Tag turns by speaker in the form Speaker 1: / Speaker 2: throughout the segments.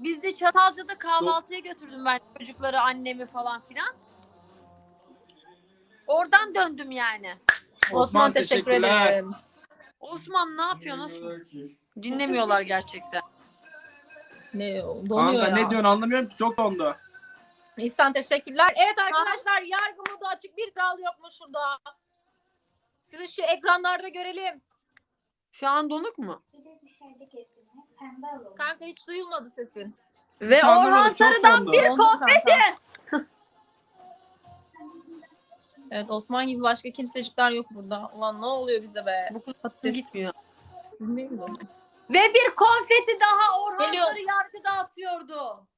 Speaker 1: Biz de Çatalca'da kahvaltıya götürdüm ben çocukları, annemi falan filan. Oradan döndüm yani.
Speaker 2: Osman teşekkür ederim.
Speaker 1: Osman ne yapıyor? Nasıl? Dinlemiyorlar gerçekten.
Speaker 2: Ne donuyor
Speaker 3: Kanka
Speaker 2: ya.
Speaker 3: ne diyorsun anlamıyorum ki, çok dondu.
Speaker 2: İhsan teşekkürler. Evet arkadaşlar, yargı modu açık, bir kral yok mu şurada? Sizi şu ekranlarda görelim.
Speaker 1: Şu an donuk mu?
Speaker 2: Kanka hiç duyulmadı sesin.
Speaker 1: Ve
Speaker 3: Hiç
Speaker 1: Orhan
Speaker 3: anlamadım, çok
Speaker 1: Sarı'dan
Speaker 3: dondu.
Speaker 1: bir
Speaker 2: Dondu
Speaker 1: konfeti.
Speaker 2: kanka. Evet, Osman gibi başka kimsecikler yok burada. Ulan ne oluyor bize be?
Speaker 1: Bu kız
Speaker 2: Patates.
Speaker 1: gitmiyor.
Speaker 2: Bilmiyorum.
Speaker 1: Ve bir konfeti daha Orhan
Speaker 2: Geliyor.
Speaker 1: Sarı yargı dağıtıyordu.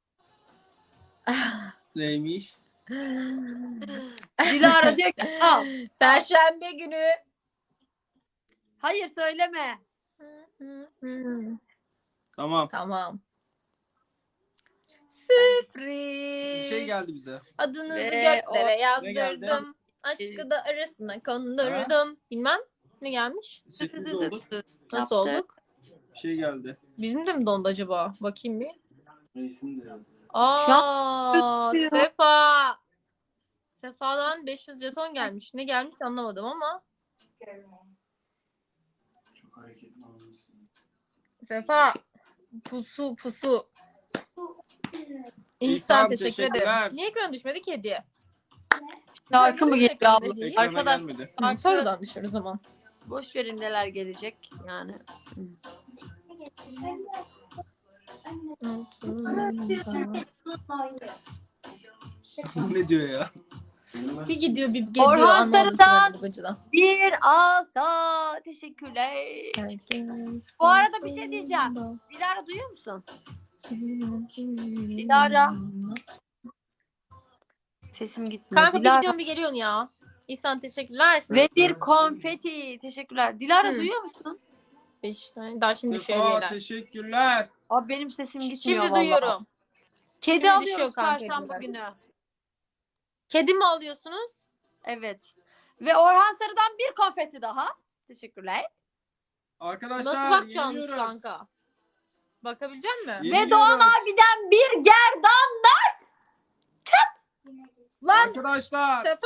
Speaker 3: Neymiş?
Speaker 1: Dilara diyor ki al.
Speaker 2: Perşembe günü.
Speaker 1: Hayır söyleme.
Speaker 3: Tamam.
Speaker 2: Tamam.
Speaker 3: Bir
Speaker 2: Sürpriz.
Speaker 3: şey geldi bize.
Speaker 2: Adınızı
Speaker 1: Ve
Speaker 2: göklere
Speaker 3: Ne geldi?
Speaker 2: yazdırdım. Aşkı da arasına kondurdum. Bilmem ne gelmiş.
Speaker 3: Sürpriz olduk.
Speaker 2: Nasıl olduk?
Speaker 3: Bir şey geldi.
Speaker 2: Bizim de mi dondu acaba? Bakayım bir.
Speaker 3: Reisin de yazdı.
Speaker 2: Aa,
Speaker 1: Şu an-
Speaker 2: Sefa. Sefa'dan 500 jeton gelmiş. Ne gelmiş anlamadım ama.
Speaker 3: Çok hareketli olmuşsun.
Speaker 2: Sefa. Pusu. İhsan
Speaker 3: İhsan,
Speaker 2: teşekkür
Speaker 3: teşekkürler.
Speaker 2: ederim. Niye ekrana düşmedi ki hediye?
Speaker 1: Şarkı mı geliyor
Speaker 2: Ekrana
Speaker 1: abla?
Speaker 2: değil.
Speaker 3: Ekrana
Speaker 1: Arkadaşlar
Speaker 3: gelmedi.
Speaker 1: şarkı,
Speaker 2: Sonradan düşer o zaman.
Speaker 1: boş verin neler gelecek yani.
Speaker 3: Ne diyor ya?
Speaker 2: Bir gidiyor bir geliyor.
Speaker 1: Orhan
Speaker 2: anlamadım
Speaker 1: Sarı'dan.
Speaker 2: bu gıcıdan.
Speaker 1: Bir asa teşekkürler. Bu arada bir şey diyeceğim. Dilara duyuyor musun? Dilara. Sesim gitmiyor.
Speaker 2: Kanka bir
Speaker 1: Dilara.
Speaker 2: gidiyorsun bir geliyorsun ya. İhsan teşekkürler.
Speaker 1: Ve bir konfeti. Teşekkürler. Dilara
Speaker 2: Hı.
Speaker 1: duyuyor musun?
Speaker 2: 5 tane. Daha şimdi düşüyor
Speaker 3: Sefa
Speaker 2: hediyeler.
Speaker 3: teşekkürler.
Speaker 1: Abi benim sesim gitmiyor
Speaker 2: Şimdi
Speaker 1: vallahi.
Speaker 2: duyuyorum.
Speaker 1: Kedi
Speaker 2: Şimdi
Speaker 1: alıyoruz
Speaker 2: düşüyor kanka
Speaker 1: çarşamba
Speaker 2: hediyeler.
Speaker 1: günü.
Speaker 2: Kedi mi alıyorsunuz?
Speaker 1: Evet. Ve Orhan Sarı'dan bir konfeti daha. Teşekkürler.
Speaker 3: Arkadaşlar
Speaker 2: Nasıl bakacaksınız
Speaker 3: yeniliyoruz.
Speaker 2: kanka? Bakabilecek misin?
Speaker 3: Yeniliyoruz.
Speaker 1: Ve Doğan abiden bir gerdan.
Speaker 2: Lan
Speaker 3: Arkadaşlar.
Speaker 2: Sefa!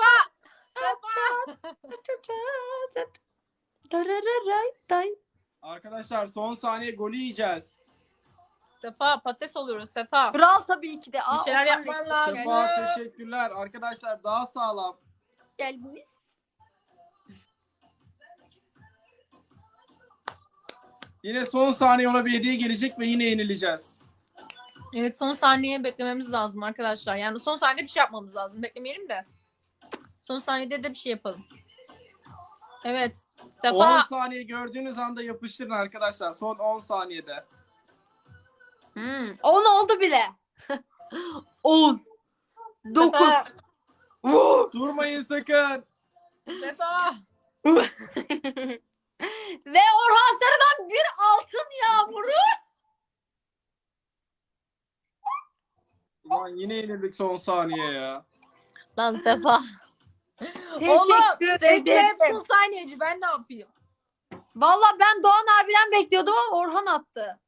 Speaker 3: Arkadaşlar son saniye golü yiyeceğiz.
Speaker 2: Sefa patates oluyoruz Sefa.
Speaker 1: Kral tabii ki de.
Speaker 2: Bir şeyler
Speaker 1: Orhan
Speaker 2: yapman
Speaker 1: Reis
Speaker 2: lazım.
Speaker 3: Sefa teşekkürler. Arkadaşlar daha sağlam.
Speaker 1: geldiniz.
Speaker 3: Yine son saniye ona bir hediye gelecek ve yine yenileceğiz.
Speaker 2: Evet, son saniye beklememiz lazım arkadaşlar. Yani son saniyede bir şey yapmamız lazım. Beklemeyelim de. Son saniyede de bir şey yapalım. Evet.
Speaker 3: 10
Speaker 2: Sefa.
Speaker 3: saniye gördüğünüz anda yapıştırın arkadaşlar. Son 10 saniyede.
Speaker 1: 10 oldu bile. 10. 9.
Speaker 2: Sefa.
Speaker 3: Durmayın sakın.
Speaker 2: Sefa.
Speaker 1: Ve Orhan Sarı'dan bir altın yağmuru.
Speaker 3: Ulan yine yenildik son saniye ya.
Speaker 2: Lan Sefa. Oğlum
Speaker 1: Teşekkür
Speaker 2: seninki hep
Speaker 1: ederim.
Speaker 2: son saniyeci. Ben ne yapayım?
Speaker 1: Valla ben Doğan abiden bekliyordum ama Orhan attı.